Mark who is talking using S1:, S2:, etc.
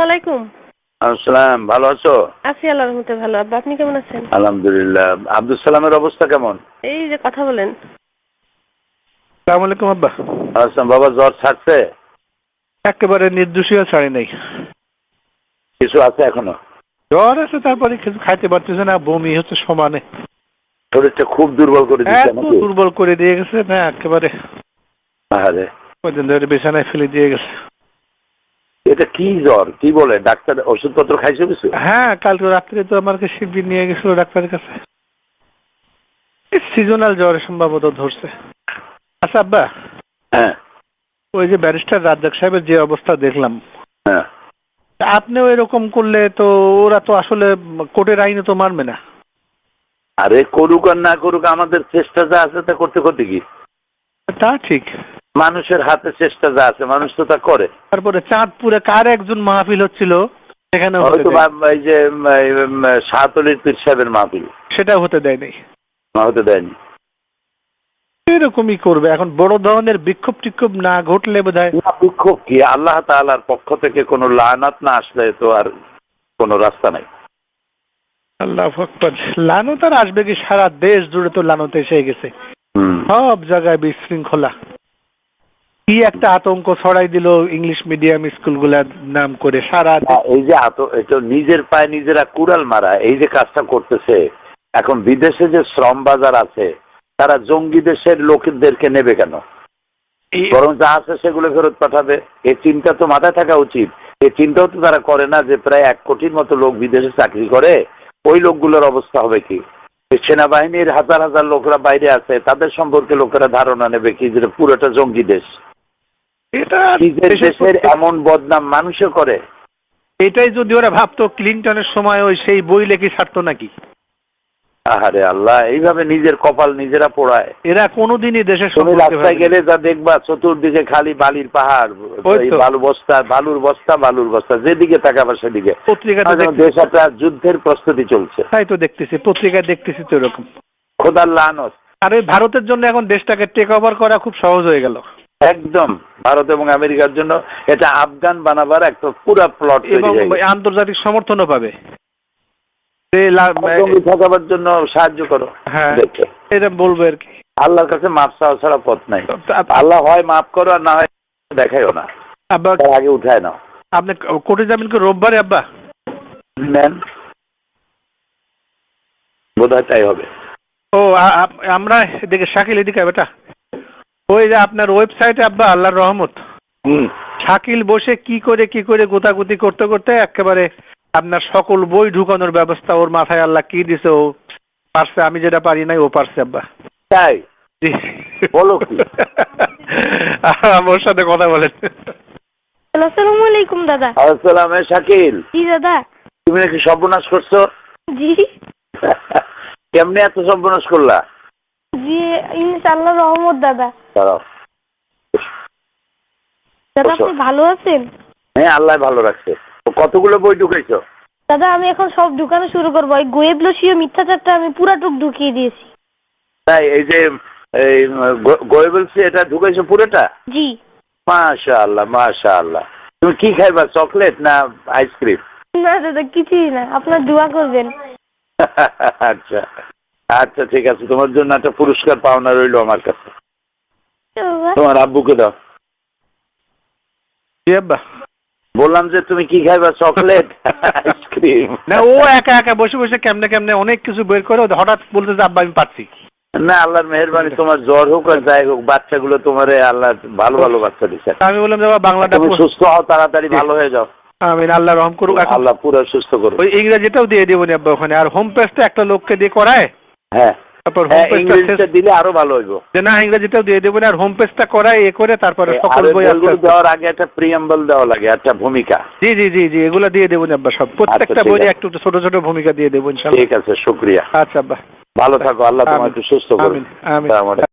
S1: আলাইকুম।
S2: আসসালাম, ভালো আছো?
S1: আছি আল্লাহর রহমতে ভালো। আব্বা আপনি কেমন আছেন?
S2: আলহামদুলিল্লাহ। আব্দুল সালামের অবস্থা কেমন?
S1: এই যে কথা বলেন।
S3: আসসালামু আলাইকুম আব্বা।
S2: আসসালাম। বাবা জ্বর ছাড়ছে?
S3: একেবারে নির্দোষীয় ছাড়ি নাই।
S2: কিছু আছে এখনো?
S3: জ্বর আছে, তারপরে কিছু খাইতে পারতেছে না, বমি হচ্ছে সমানে।
S2: শরীরটা খুব দুর্বল করে দিচ্ছে
S3: এত
S2: নাকি?
S3: দুর্বল করে দিয়ে গেছে না একেবারে।
S2: আরে
S3: কয়দিন ধরে বিছানায় ফেলে দিয়ে গেছে।
S2: এটা কি জ্বর? কি বলে ডাক্তার? ওষুধপত্র খাইছো কিছু?
S3: হ্যাঁ, কালকে রাত্রে তো আমাকে শিবির নিয়ে গেছিল ডাক্তারের কাছে। সিজনাল জ্বর সম্ভবত ধরছে। আচ্ছা আব্বা,
S2: হ্যাঁ
S3: ওই যে ব্যারিস্টার রাজ্জাক সাহেবের যে অবস্থা দেখলাম,
S2: হ্যাঁ।
S3: আপনিও এরকম করলে তো ওরা তো আসলে কোর্টের আইনে তো মানবে না।
S2: আরে করুক আর না করুক, আমাদের চেষ্টা যা আছে তা করতে করতে কি?
S3: তা ঠিক।
S2: মানুষের হাতে চেষ্টা যা আছে মানুষ তো তা করে।
S3: তারপরে চাঁদপুরে কার একজন মাহফিল হচ্ছিল, সেখানে
S2: হয়তো এই যে শাহতলির পীর সাহেবের মাহফিল,
S3: সেটা হতে দেয় নাই।
S2: হতে দেয়নি।
S3: এরকমই করবে। এখন বড় ধরনের বিক্ষোভ টিক্ষোভ না ঘটলে বোধহয়।
S2: বিক্ষোভ কি? আল্লাহ তাআলার পক্ষ থেকে কোনো লানাত না আসলে তো আর কোনো রাস্তা নাই।
S3: আল্লাহু আকবার। লানত আর আসবে কি? সারা দেশ জুড়ে তো লানত এসে গেছে। সব জায়গায় বিশৃঙ্খলা। কি একটা আতঙ্ক ছড়াই দিল ইংলিশ মিডিয়াম স্কুলগুলার নাম করে সারা।
S2: এই যে এটা নিজের পায়ে নিজেরা কুড়াল মারা, এই যে কাজটা করতেছে, এখন বিদেশে যে শ্রম বাজার আছে তারা জঙ্গি দেশের লোকদেরকে নেবে কেন? বরং যা আছে সেগুলো ফেরত পাঠাবে। এই চিন্তা তো মাথায় থাকা উচিত। এই চিন্তাও তো তারা করে না যে প্রায় 1 কোটির মতো লোক বিদেশে চাকরি করে, ওই লোকগুলোর অবস্থা হবে কি? সেনাবাহিনীর হাজার হাজার লোকরা বাইরে আছে, তাদের সম্পর্কে লোকেরা ধারণা নেবে কি যে পুরোটা জঙ্গি দেশ।
S3: এটা
S2: নিজের দেশের এমন বদনাম মানুষে করে।
S3: এটাই যদি ওরা ভাবতো ক্লিনটনের সময় ওই সেই বই লেখি ছাড়তো নাকি?
S2: আহারে আল্লাহ, এইভাবে নিজের কপাল নিজেরা পোড়ায়।
S3: এরা কোনোদিনই দেশের
S2: তুমি রাস্তায় গেলে যা দেখবা চতুর্দিকে খালি বালির পাহাড়, বালুর বস্তা, যেদিকে তাকাবা সেদিকে। দেশ একটা যুদ্ধের প্রস্তুতি চলছে।
S3: তাই তো দেখতেছি, পত্রিকায় দেখতেছি তো এরকম।
S2: খোদার লানত।
S3: আর ওই ভারতের জন্য এখন দেশটাকে টেক ওভার করা খুব সহজ হয়ে গেল।
S2: একদম ভারত এবং আমেরিকার জন্য এটা আফগান বানাবার একটা পুরো প্লট
S3: এবং আন্তর্জাতিক সমর্থনও পাবে।
S2: ঠকাবার জন্য সাহায্য করো।
S3: হ্যাঁ, এটা বলবো আর কি।
S2: আল্লাহর কাছে মাপ চাওয়া ছাড়া পথ নাই। আল্লাহ হয় মাফ করো আর না হয় দেখাইও না।
S3: আব্বা
S2: আগে উঠায় নাও।
S3: আপনি কোর্টে যাবেন কি রোববারে আব্বা?
S2: নেন, বোধহয় তাই হবে।
S3: ও আমরা এদিকে শাকিল এদিকে বেটা, ওই যে আপনার ওয়েবসাইটে আব্বা আল্লাহর রহমত, শাকিল বসে কি করে গোতাগুতি করতে করতে একেবারে আপনার সকল বই ঢুকানোর ব্যবস্থা ওর মাথায় আল্লাহ কি দিছে, ও পারছে। আমি যেটা পারি নাই ও পারছে আব্বা।
S2: তাই বলো কি?
S3: ওর সাথে কথা বলেন।
S1: আসসালামু আলাইকুম দাদা।
S2: আসসালাম। শাকিল,
S1: জি দাদা।
S2: তুমি নাকি সর্বনাশ করছো?
S1: জি
S2: কেমনে এত সর্বনাশ করলা?
S1: জি ইনশাআল্লাহ রহমত দাদা।
S2: দাঁড়াও।
S1: দাদা আপনি ভালো আছেন?
S2: হ্যাঁ, আল্লাহ ভালো রাখছে। কতগুলো বই ঢুকাইছো?
S1: দাদা আমি এখন সব ঢুকানো শুরু করবো। এই গোয়েবলসীয় মিথ্যাচারটা আমি পুরাটুক ঢুকিয়ে দিয়েছি।
S2: তাই? এই যে গোয়েবলসি এটা ঢুকাইছো পুরোটা?
S1: জি।
S2: মাশাআল্লাহ মাশাআল্লাহ। তুমি কি খাইবা, চকলেট না আইসক্রিম?
S1: না দাদা কিছুই না, আপনার দোয়া করবেন।
S2: আচ্ছা আচ্ছা, ঠিক আছে। তোমার জন্য একটা পুরস্কার পাওনা রইলো আমার কাছে। তোমার আব্বুকে দাও। বললাম যে তুমি কি খাইবা, চকলেট আইসক্রিম?
S3: না, ও একা একা বসে বসে কেমনে অনেক কিছু বের করে হঠাৎ বলতে যে আব্বা আমি পারছি
S2: না। আল্লাহর মেহেরবানি, তোমার জ্বর হোক আর যাই হোক, বাচ্চাগুলো তোমার আল্লাহ ভালো ভালো বাচ্চা দিচ্ছে।
S3: আমি বললাম যে বাংলাটা
S2: তুমি সুস্থ হও, তাড়াতাড়ি ভালো হয়ে যাও।
S3: আমিন, আল্লাহ রহম করুক।
S2: আল্লাহ পুরো সুস্থ করুক।
S3: ওই ইংরেজিটাও দিয়ে দেবো নি আব্বা ওখানে। আর হোম পেজটা একটা লোককে দিয়ে করায়।
S2: হ্যাঁ,
S3: তারপর
S2: ইংরেজিটা দিলে আরো ভালো হইব।
S3: না, ইংরেজিটাও দিয়ে দেবো না, আর হোম পেজটা করায় এ করে তারপরে সকল বই
S2: দেওয়ার আগে একটা প্রিয়াম্বল দেওয়া লাগে, একটা ভূমিকা।
S3: জি জি জি জি, এগুলো দিয়ে দেবো আব্বা সব। প্রত্যেকটা বইয়ে একটু ছোট ছোট ভূমিকা দিয়ে দেবো ইনশাআল্লাহ।
S2: ঠিক আছে, শুকরিয়া।
S3: আচ্ছা আব্বা,
S2: ভালো থাকো। আল্লাহ তোমাকে সুস্থ করুন।
S3: আমিন আমিন।